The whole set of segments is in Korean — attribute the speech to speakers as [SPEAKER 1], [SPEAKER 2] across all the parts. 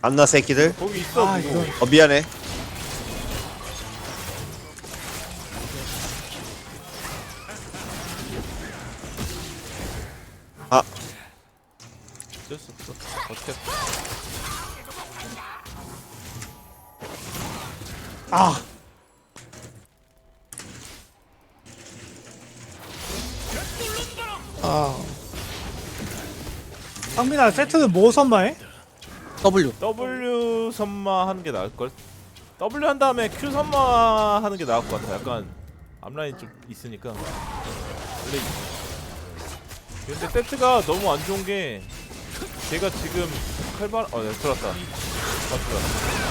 [SPEAKER 1] 안나 새끼들.
[SPEAKER 2] 거기 있어.
[SPEAKER 3] 아,
[SPEAKER 2] 누구.
[SPEAKER 3] 이건
[SPEAKER 1] 미안해. 아,
[SPEAKER 2] 어쩔 수 없어. 어떻게?
[SPEAKER 3] 아. 상민아 세트는 뭐 선마해?
[SPEAKER 4] W.
[SPEAKER 2] W 선마 하는 게 나을 걸. W 한 다음에 Q 선마 하는 게 나을 것 같아. 약간 앞라인 좀 있으니까. 원래 근데 세트가 너무 안 좋은 게 걔가 지금 칼발 네, 들었다. 맞다.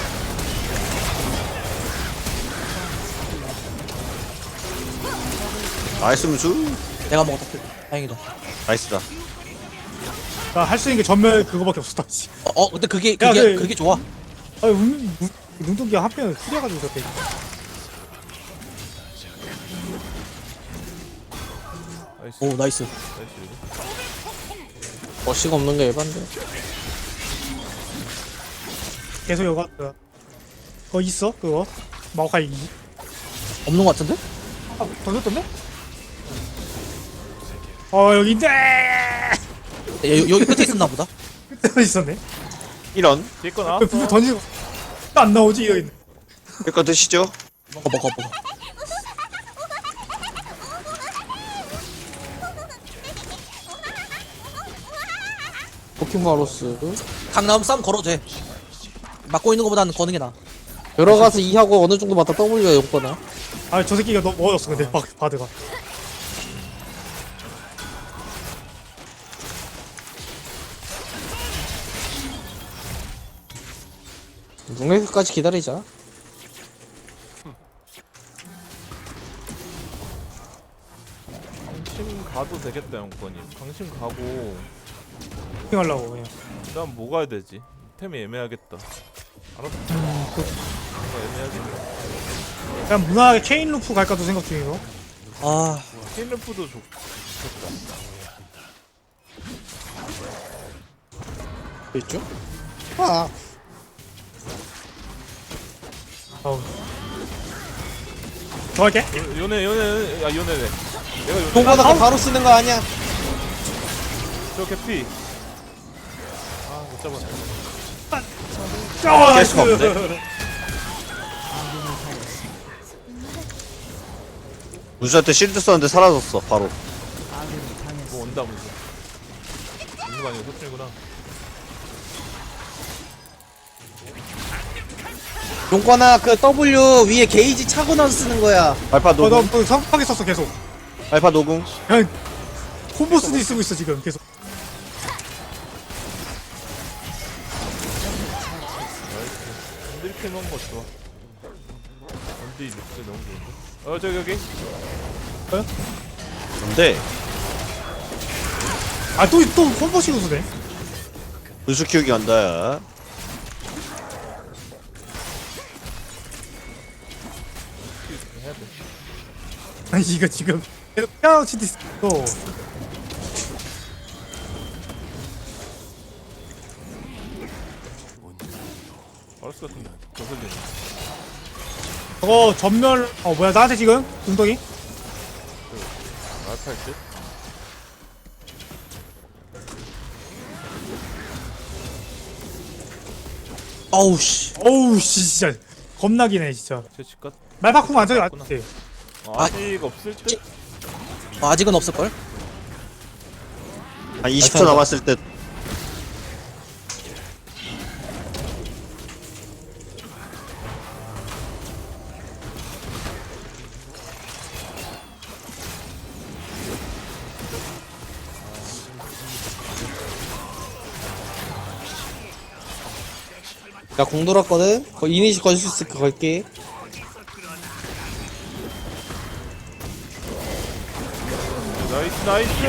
[SPEAKER 1] 나이스 무수.
[SPEAKER 4] 내가 먹었다. 다행이다.
[SPEAKER 1] 나이스다.
[SPEAKER 3] 나 할 수 있는 게 전멸 그거밖에 없었다. 씨.
[SPEAKER 4] 근데 그게
[SPEAKER 3] 야,
[SPEAKER 4] 그게 좋아.
[SPEAKER 3] 아니 눈동기가 한편을 후려가지고 저때.
[SPEAKER 2] 나이스.
[SPEAKER 4] 오 나이스.
[SPEAKER 2] 나이스.
[SPEAKER 4] 어시가 없는 게 예반데.
[SPEAKER 3] 계속 여가 그거 있어 그거 마오카이
[SPEAKER 4] 없는 거 같은데?
[SPEAKER 3] 던졌던데? 여기 있네.
[SPEAKER 4] 여기 끝에 있었나 보다.
[SPEAKER 3] 끝에 있었네.
[SPEAKER 1] 이런.
[SPEAKER 2] 뒤에 거
[SPEAKER 3] 왜
[SPEAKER 2] 나왔어.
[SPEAKER 3] 불 던지고 안 나오지 여기.
[SPEAKER 1] 이거 드시죠.
[SPEAKER 4] 먹어.
[SPEAKER 5] 포켓마로스
[SPEAKER 4] 강남 싸움 걸어도 돼. 맞고 있는 거보다는 거는 게 나아.
[SPEAKER 5] 들어가서 2하고 어느 정도 맞다 W가 용거나.
[SPEAKER 3] 저 새끼가 너무 멀었어 근데 바드가.
[SPEAKER 5] 뭉에까지 기다리자.
[SPEAKER 2] 강심 가도 되겠다 영권이. 강심 가고
[SPEAKER 3] 하려고 그냥.
[SPEAKER 2] 그다음 뭐 가야 되지? 템이 애매하겠다. 알았어. 뭔가 애매하겠다.
[SPEAKER 3] 그냥 무난하게 체인 루프 갈까도 생각 중이고.
[SPEAKER 4] 아
[SPEAKER 2] 케인르프도 좋겠다.
[SPEAKER 5] 있죠? 아,
[SPEAKER 3] 더 할게.
[SPEAKER 2] 요네네. 내가 요네.
[SPEAKER 5] 동거나가 바로 쓰는 거 아니야?
[SPEAKER 2] 저 개피. 못 잡았네.
[SPEAKER 1] 깰 수가 없네. 무수한테 실드 썼는데 사라졌어 바로.
[SPEAKER 2] 뭐 온다 무슨. 있는 거 아니고 소중이구나.
[SPEAKER 5] 용거나 그 W 위에 게이지 차고 나서 쓰는 거야.
[SPEAKER 1] 알파 노궁.
[SPEAKER 3] 너 성급하게 썼어 계속.
[SPEAKER 1] 알파 노궁.
[SPEAKER 3] 그냥 콤보 쓰니 쓰고 있어 지금 계속.
[SPEAKER 2] 이렇게 먹은 거 좋아. 언디 룩스 너무 좋은데? 저기 여기.
[SPEAKER 1] 근데
[SPEAKER 3] 또 콤보 쓰고 쓰네.
[SPEAKER 1] 무수 키우기 간다야.
[SPEAKER 2] 해야 돼.
[SPEAKER 3] 아니 이거 지금 계속 피아노 치고 있어.
[SPEAKER 2] 바로스 같은 거 거슬리네.
[SPEAKER 3] 저거 전멸 뭐야 나한테 지금 눈덩이?
[SPEAKER 2] 알파 할 듯?
[SPEAKER 4] 어우 씨.
[SPEAKER 3] 어우 씨 진짜 겁나기네 진짜.
[SPEAKER 2] 제 집값?
[SPEAKER 3] 말바꿈 안 저기 안돼.
[SPEAKER 2] 아직 없을 듯?
[SPEAKER 4] 아직은 없을 걸.
[SPEAKER 1] 한 20초 남았을 때.
[SPEAKER 5] 나 공 돌았거든? 이니시 걸 수 있을까 걸게.
[SPEAKER 2] 나이스.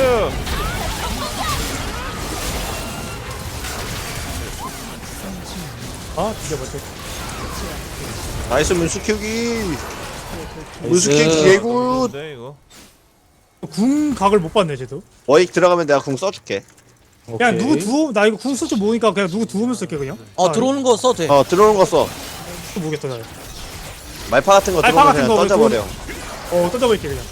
[SPEAKER 3] 진짜 뭐지?
[SPEAKER 1] 나이스 문수 키우기. 문수 키우기 개굿.
[SPEAKER 2] 네 이거.
[SPEAKER 3] 궁 각을 못 봤네 쟤도.
[SPEAKER 1] 워익 들어가면 내가 궁 써줄게.
[SPEAKER 3] 그냥
[SPEAKER 6] 오케이.
[SPEAKER 3] 누구 두어 나 이거 궁 쓸줄 모르니까 그냥 누구 두으면 쓸게 그냥.
[SPEAKER 4] 들어오는 거 써도 돼.
[SPEAKER 1] 들어오는 거 써.
[SPEAKER 3] 또 모르겠다 나.
[SPEAKER 1] 말파 같은 거
[SPEAKER 3] 말파
[SPEAKER 1] 들어오면
[SPEAKER 3] 같은
[SPEAKER 1] 그냥
[SPEAKER 3] 거
[SPEAKER 1] 던져버려.
[SPEAKER 3] 던져버릴게 그냥.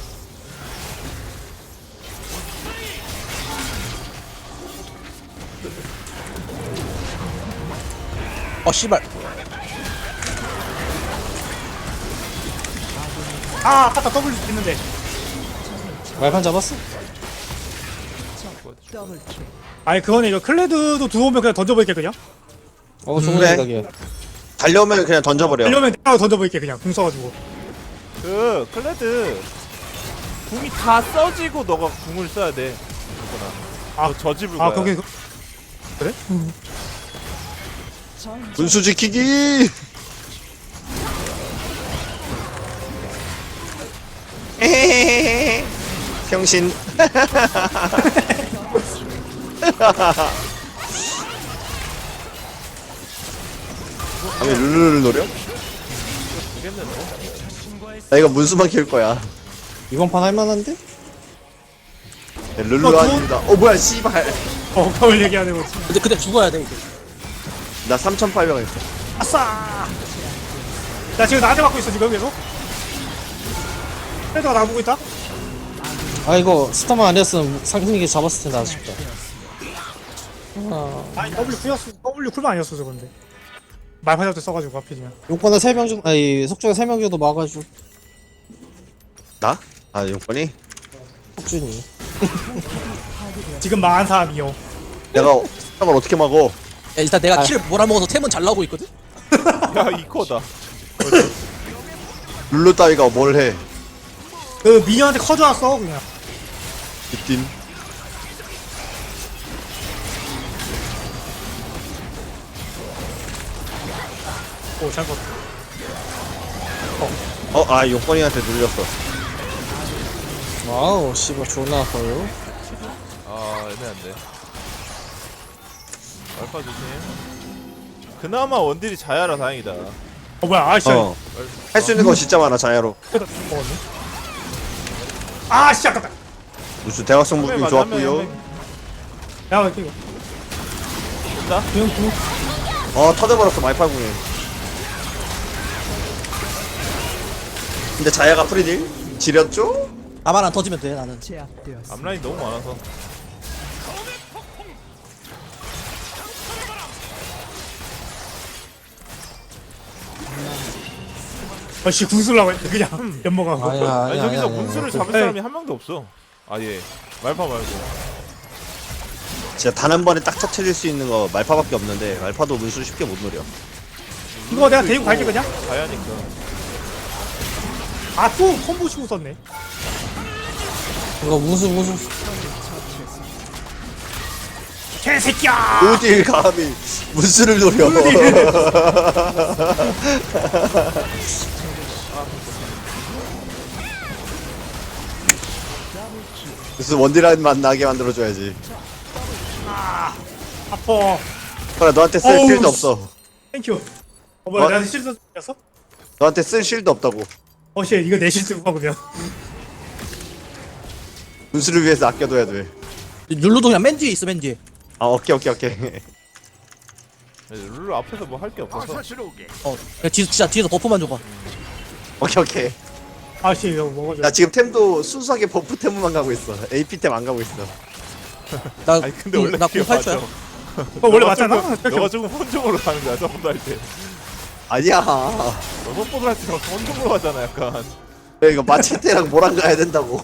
[SPEAKER 4] 씨발.
[SPEAKER 3] 아 아까 W 있는데.
[SPEAKER 6] 말판 잡았어?
[SPEAKER 3] 아니 그거는 이거 클레드도 두오면 그냥 던져버릴게 그냥.
[SPEAKER 6] 좋은
[SPEAKER 1] 그래.
[SPEAKER 6] 생각이야.
[SPEAKER 1] 달려오면 그냥 던져버려.
[SPEAKER 3] 이러면 내가 던져버릴게 그냥 궁 써가지고.
[SPEAKER 2] 그 클레드 궁이 다 써지고 너가 궁을 써야 돼.
[SPEAKER 3] 아,
[SPEAKER 2] 저 집을 거야.
[SPEAKER 3] 아 거기 그래?
[SPEAKER 1] 분수 지키기. 에헤헤헤. 병신. 아니 룰루를 노려?
[SPEAKER 2] 모르겠는데.
[SPEAKER 1] 나 이거 문수만 키울 거야.
[SPEAKER 6] 이번 판 할만한데?
[SPEAKER 1] 네, 룰루 아닙니다. 뭐야 씨발.
[SPEAKER 3] 그걸 얘기하는 거지.
[SPEAKER 4] 근데 죽어야 돼 이게.
[SPEAKER 1] 나 3,800원 했어.
[SPEAKER 3] 아싸. 나 지금 나한테 맞고 있어 지금 계속. 클레드가 나 보고 있다.
[SPEAKER 6] 아 이거 스타만 아니었으면 상승이게 잡았을 텐데 아쉽다.
[SPEAKER 3] 아니 W 쿨만 아니었어 저건데. 말파 잡때 써가지고 하필이면.
[SPEAKER 6] 용건에 3명 정도 아니 석준에 3명 정도 막아줘.
[SPEAKER 1] 나? 아 용건이?
[SPEAKER 6] 석준이.
[SPEAKER 3] 지금 망한 사람이요.
[SPEAKER 1] 내가 상을 어떻게 막어?
[SPEAKER 4] 야, 일단 내가 킬을 몰아먹어서 템은 잘 나오고 있거든.
[SPEAKER 2] 야 이코다.
[SPEAKER 1] 룰루 따위가 뭘 해?
[SPEAKER 3] 그 미녀한테 커져왔어 그냥.
[SPEAKER 1] 빗딘.
[SPEAKER 3] 잘 봤어.
[SPEAKER 1] 용건이한테 눌렸어.
[SPEAKER 6] 와우 씨발 존나 아파요.
[SPEAKER 2] 아 애매한데. 알파 조심. 그나마 원딜이 자야라 다행이다.
[SPEAKER 3] 뭐야 아씨.
[SPEAKER 1] 할 수 있는 거 진짜 많아 자야로.
[SPEAKER 3] 먹었네. 아씨 아깝다.
[SPEAKER 1] 무슨 대각선 무빙 좋았고요.
[SPEAKER 3] 야 이거.
[SPEAKER 2] 됐다.
[SPEAKER 1] 터져버렸어 말파궁에. 근데 자야가 프리딜? 지렸죠?
[SPEAKER 4] 나만 안 터지면 돼 나는.
[SPEAKER 2] 앞라인 너무 많아서.
[SPEAKER 3] 아씨 궁 쓰려고 했는데 그냥 연먹하고.
[SPEAKER 6] 아니야
[SPEAKER 2] 아니
[SPEAKER 6] 아니야.
[SPEAKER 2] 저기서
[SPEAKER 6] 아니야,
[SPEAKER 2] 문수를
[SPEAKER 6] 아니야.
[SPEAKER 2] 잡을 사람이 한 명도 없어. 아예 말파 말고.
[SPEAKER 1] 진짜 단 한 번에 딱 터트릴 수 있는 거 말파밖에 없는데 말파도 문수 쉽게 못 노려.
[SPEAKER 3] 이거 내가 데리고 갈게 그냥.
[SPEAKER 2] 자야니까.
[SPEAKER 3] 아또 콤보 치고 썼네.
[SPEAKER 6] 이거 무슨
[SPEAKER 3] 개새끼야.
[SPEAKER 1] 어딜 감히 문수를 노려. 무슨 원딜한 맛 나게 만들어줘야지.
[SPEAKER 3] 아파.
[SPEAKER 1] 그래 너한테 쓸
[SPEAKER 3] 어우,
[SPEAKER 1] 실드
[SPEAKER 3] 씨.
[SPEAKER 1] 없어.
[SPEAKER 3] 땡큐. 뭐야
[SPEAKER 1] 어?
[SPEAKER 3] 내가 실수 했어?
[SPEAKER 1] 너한테 쓸 실드 없다고.
[SPEAKER 3] 씨 이거 내 실수구나 그러면.
[SPEAKER 1] 문수를 위해서 아껴둬야 돼.
[SPEAKER 4] 룰루도 그냥 맨 뒤에 있어 맨 뒤에.
[SPEAKER 1] 오케이.
[SPEAKER 2] 룰루 앞에서 뭐 할 게 없어서.
[SPEAKER 4] 그냥 진짜 뒤에서 버프만 줘봐.
[SPEAKER 1] 오케이.
[SPEAKER 3] 아씨 이거 먹어줘.
[SPEAKER 1] 나 지금 템도 순수하게 버프 템만 가고 있어. AP 템 안 가고 있어.
[SPEAKER 4] 나
[SPEAKER 2] 아니 근데 원래
[SPEAKER 4] 나
[SPEAKER 2] 그게
[SPEAKER 4] 08초야.
[SPEAKER 2] 맞아.
[SPEAKER 3] 원래 맞잖아.
[SPEAKER 2] 너가 조금 혼종으로 가는 거야 서포트 할 때.
[SPEAKER 1] 아니야.
[SPEAKER 2] 너 서포트 할때 혼종으로 가잖아 약간.
[SPEAKER 1] 이거 마체테랑 뭐랑 가야 된다고.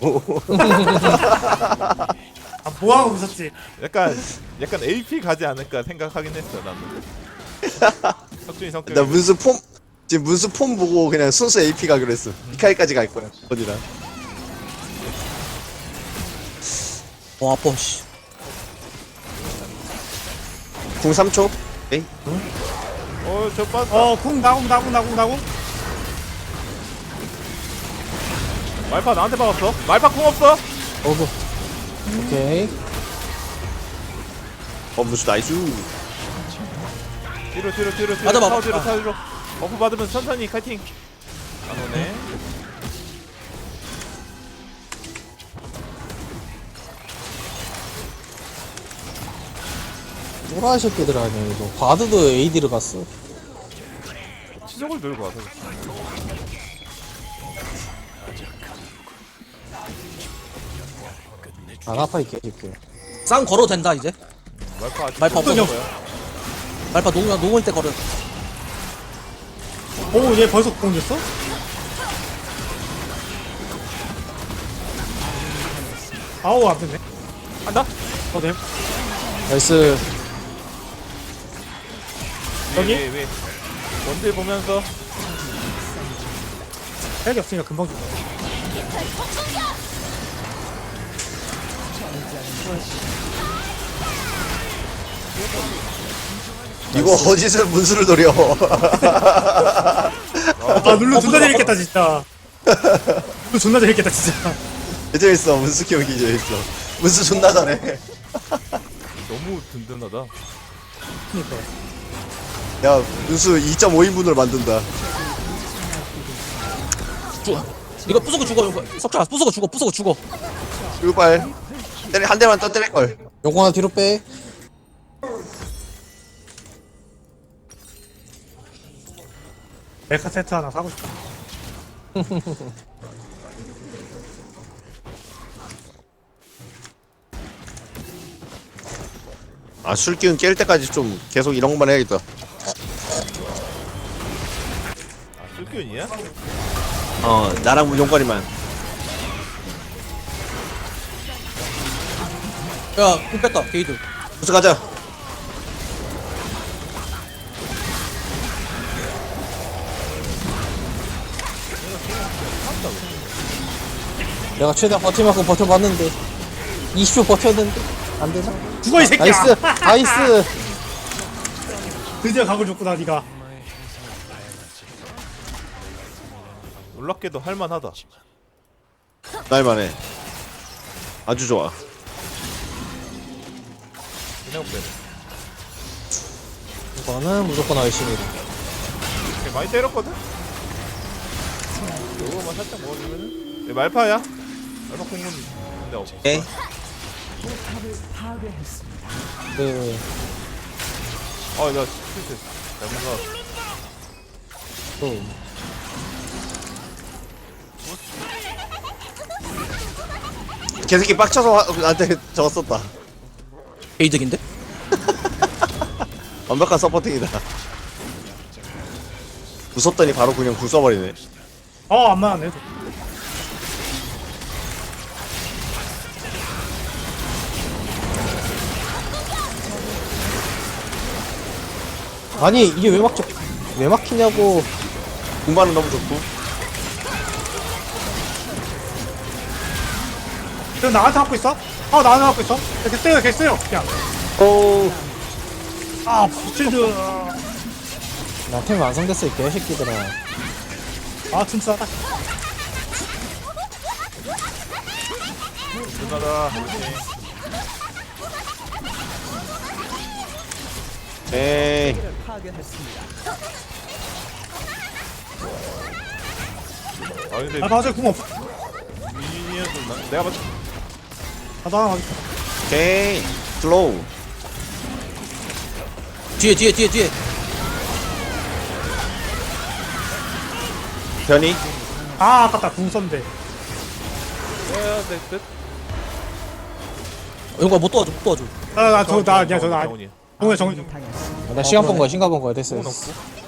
[SPEAKER 3] 아 뭐하고 웃었지?
[SPEAKER 2] 약간 AP 가지 않을까 생각하긴 했어 나는. 석준이 성격.
[SPEAKER 1] 나 문수 폼 지금 문수 폼 보고 그냥 순수 AP 가기로 했어. 미카엘까지 갈 거야. 어디랑.
[SPEAKER 4] 아파 씨.
[SPEAKER 1] 궁 3초. 에이.
[SPEAKER 2] 저 빠졌다.
[SPEAKER 3] 궁 나궁.
[SPEAKER 2] 말파 나한테 박았어. 말파 공 없어.
[SPEAKER 6] 오케이.
[SPEAKER 1] 문수 나이스.
[SPEAKER 2] 뒤로.
[SPEAKER 4] 맞아, 맞아.
[SPEAKER 2] 타워 뒤로. 버프 받으면 천천히 카이팅. 안 오네.
[SPEAKER 6] 또라이 새끼들 아니야 이거. 바드도 AD를 갔어.
[SPEAKER 2] 치적을 들고 와서.
[SPEAKER 6] 안 아파 있게 해줄게.
[SPEAKER 4] 싸움 걸어도 된다 이제.
[SPEAKER 2] 말파 아직
[SPEAKER 4] 말파
[SPEAKER 2] 없어서
[SPEAKER 4] 없어져.
[SPEAKER 2] 거야.
[SPEAKER 4] 말파 녹을 때 걸어.
[SPEAKER 3] 오얘 벌써 공됐어? 아우 안 됐네.
[SPEAKER 2] 한다?
[SPEAKER 3] 네.
[SPEAKER 6] 나이스.
[SPEAKER 3] 여기?
[SPEAKER 2] 왜? 원딜 보면서
[SPEAKER 3] 헬기 없으니까 금방 죽어.
[SPEAKER 1] 이거 어디서 문수를 노려.
[SPEAKER 3] 아 룰루 존나 재밌겠다 진짜. 룰루 존나 재밌겠다 진짜.
[SPEAKER 1] 재밌어. 문수 경기 재밌어. 문수 존나 잘해.
[SPEAKER 2] 너무 든든하다.
[SPEAKER 3] 그니까.
[SPEAKER 1] 야 문수 2.5인분을 만든다.
[SPEAKER 4] 이거 부수고 죽어. 이거. 석준아 부수고 죽어.
[SPEAKER 1] 이발 때리 한 대만 더 때릴 걸.
[SPEAKER 6] 용건아 뒤로 빼.
[SPEAKER 3] 메카 세트 하나 사고 싶다.
[SPEAKER 1] 아 술기운 깰 때까지 좀 계속 이런 것만 해야겠다.
[SPEAKER 2] 아 쓸기운이야?
[SPEAKER 1] 나랑 용건이만.
[SPEAKER 4] 야, 공 뺐다. 게이드.
[SPEAKER 1] 문수 가자.
[SPEAKER 6] 내가 최대한 버틸만큼 버텨봤는데 20초 버텼는데 안 되나?
[SPEAKER 3] 죽어 이 새끼야.
[SPEAKER 6] 나이스. 나이스.
[SPEAKER 3] 드디어 각을 줬구나 니가.
[SPEAKER 2] 놀랍게도 할만하다.
[SPEAKER 1] 날만해. 아주 좋아.
[SPEAKER 2] 생각보다
[SPEAKER 6] 이거는 무조건 열심히.
[SPEAKER 2] 많이 때렸거든? 요거만 살짝 먹어주면은 말파야? 말파 공은 근데 없어.
[SPEAKER 4] 오케이.
[SPEAKER 6] 그
[SPEAKER 2] 나 실수 잘못 나왔어.
[SPEAKER 6] 또
[SPEAKER 1] 개새끼 빡쳐서 나한테 저거 썼다.
[SPEAKER 4] 게이득인데?
[SPEAKER 1] 완벽한 서포팅이다. 무섭더니 바로 그냥 굴 써버리네.
[SPEAKER 3] 안 맞았네.
[SPEAKER 6] 아니 이게 왜 막히냐고.
[SPEAKER 1] 공반은 너무 좋고.
[SPEAKER 3] 너 나한테 갖고 있어? 나한테 갖고 있어? 걔 써요 그냥.
[SPEAKER 6] 오.
[SPEAKER 3] 부실드.
[SPEAKER 6] 나템 완성됐어 이 개새끼들아.
[SPEAKER 3] 튼튼하다.
[SPEAKER 2] 누나다.
[SPEAKER 1] 에이.
[SPEAKER 2] 근데
[SPEAKER 3] 맞아 궁 없어.
[SPEAKER 2] 미니언도 내가 봤을 때
[SPEAKER 3] 나 하나 맞았어.
[SPEAKER 1] 오케이. 슬로우.
[SPEAKER 4] 뒤에.
[SPEAKER 1] 변이.
[SPEAKER 3] 아깝다 궁 썼는데.
[SPEAKER 2] 내 뜻?
[SPEAKER 4] 이거 못 도와줘.
[SPEAKER 3] 나
[SPEAKER 2] 정훈이야.
[SPEAKER 3] 궁에 정리.
[SPEAKER 6] 나 시간 본 거야. 시간 본 거야. 됐어.
[SPEAKER 2] 공은
[SPEAKER 6] 됐어.
[SPEAKER 2] 없고.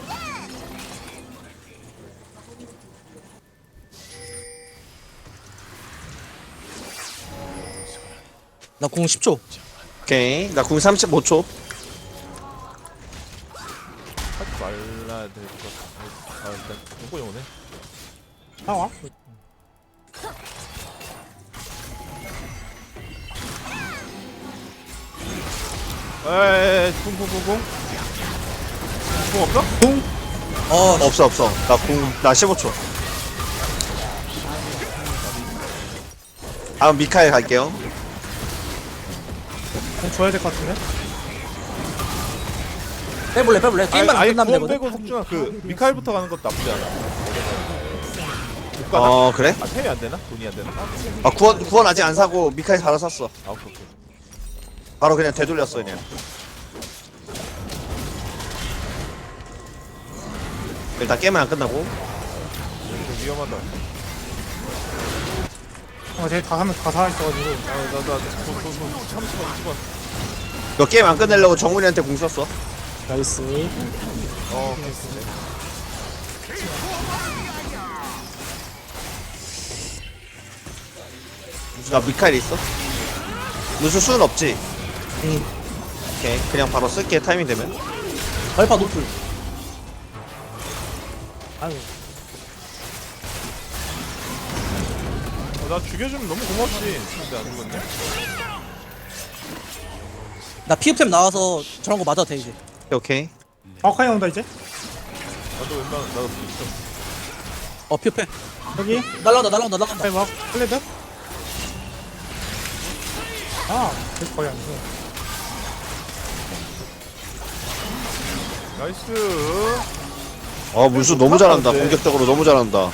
[SPEAKER 4] 나 공 10초.
[SPEAKER 1] 오케이. 나 궁 35초.
[SPEAKER 2] 하지 말라야 될 것 같아. 일단 공권이 오네.
[SPEAKER 3] 나와.
[SPEAKER 2] 쿵쿵쿵쿵. 공 없어?
[SPEAKER 1] 없어. 나 15초. 다음 미카엘 갈게요.
[SPEAKER 3] 궁 줘야 될 것 같은데.
[SPEAKER 4] 빼볼래. 게임만 안
[SPEAKER 2] 아예
[SPEAKER 4] 끝나면
[SPEAKER 2] 구원
[SPEAKER 4] 되거든.
[SPEAKER 2] 빼고 석준아 미카엘부터 가는 것도 나쁘지 않아. 못 가나?
[SPEAKER 1] 그래?
[SPEAKER 2] 템이 안 되나? 돈이 안 되나?
[SPEAKER 1] 구원 아직 안 사고 미카엘 바로 샀어.
[SPEAKER 2] 오케이.
[SPEAKER 1] 바로 그냥 되돌렸어 그냥. 일단 게임은 안 끝나고.
[SPEAKER 2] 좀 위험하다.
[SPEAKER 3] 쟤 다 하면 다 살아있어가지고.
[SPEAKER 2] 잠시만 20원.
[SPEAKER 1] 이거 게임 안 끝내려고 정훈이한테 공 썼어.
[SPEAKER 6] 나이스.
[SPEAKER 2] 괜찮네.
[SPEAKER 1] 나 미카엘 있어? 무슨 수는 없지?
[SPEAKER 6] 응.
[SPEAKER 1] 오케이 그냥 바로 쓸게 타이밍 되면.
[SPEAKER 4] 발파 노플.
[SPEAKER 3] 아유.
[SPEAKER 2] 나 죽여주면 너무 고맙지. 근데 안 죽었네.
[SPEAKER 4] 나 피흡템 나와서 저런 거 맞아도 돼 이제.
[SPEAKER 1] 오케이.
[SPEAKER 3] 마오카이 나온다 이제.
[SPEAKER 2] 나도 웬만하면 나도 있어.
[SPEAKER 4] 피흡해.
[SPEAKER 3] 여기.
[SPEAKER 4] 날라온다.
[SPEAKER 3] 빨리 막 플레드. 아, 계속 거의 안 돼.
[SPEAKER 2] 나이스.
[SPEAKER 1] 문수 너무 잘한다. 공격적으로 너무 잘한다.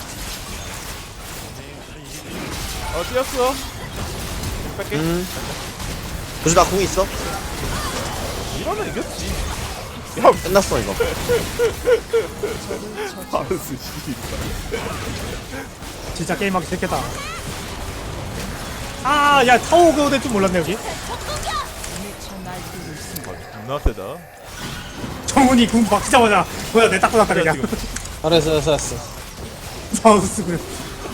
[SPEAKER 2] 뛰었어. 뺄게.
[SPEAKER 1] 문수 나 공 있어?
[SPEAKER 2] 이러면 이겼지.
[SPEAKER 1] 끝났어 이거.
[SPEAKER 2] 바르스 씨.
[SPEAKER 3] 진짜 게임하기 싫겠다. 아, 야 타워 그거될 줄 몰랐네 여기.
[SPEAKER 2] 존나 세다.
[SPEAKER 3] 정훈이 궁 막히자마자 뭐야 내 닦고 났다 그냥.
[SPEAKER 2] 지금.
[SPEAKER 6] 알았어.
[SPEAKER 3] 바우스 그래.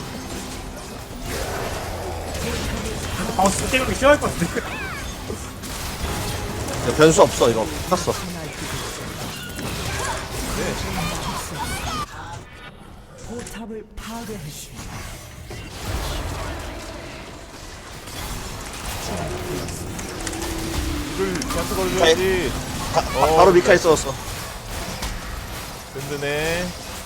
[SPEAKER 3] 바우스 게임하기 싫어할 것 같은데.
[SPEAKER 1] 이거 변수 없어 이거. 끝났어.
[SPEAKER 2] 이걸 자수 걸어줘야지.
[SPEAKER 1] 바로 미카엘 썼어.
[SPEAKER 2] 든든해.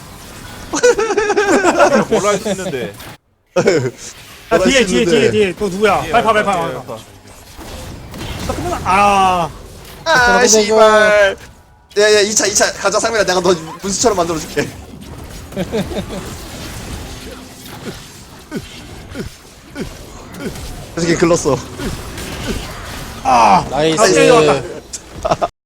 [SPEAKER 2] 내가 뭘 할 수 있는데.
[SPEAKER 3] 야 뒤에 또 누구야?
[SPEAKER 2] 예,
[SPEAKER 3] 빨리 봐.
[SPEAKER 2] 말파.
[SPEAKER 3] 아,
[SPEAKER 1] 아 씨발. 야야 2차 가자 상민아 내가 너 문수처럼 만들어줄게. 저 새끼 글렀어.
[SPEAKER 3] 아,
[SPEAKER 6] 나이스.
[SPEAKER 3] 갑자기 왔다.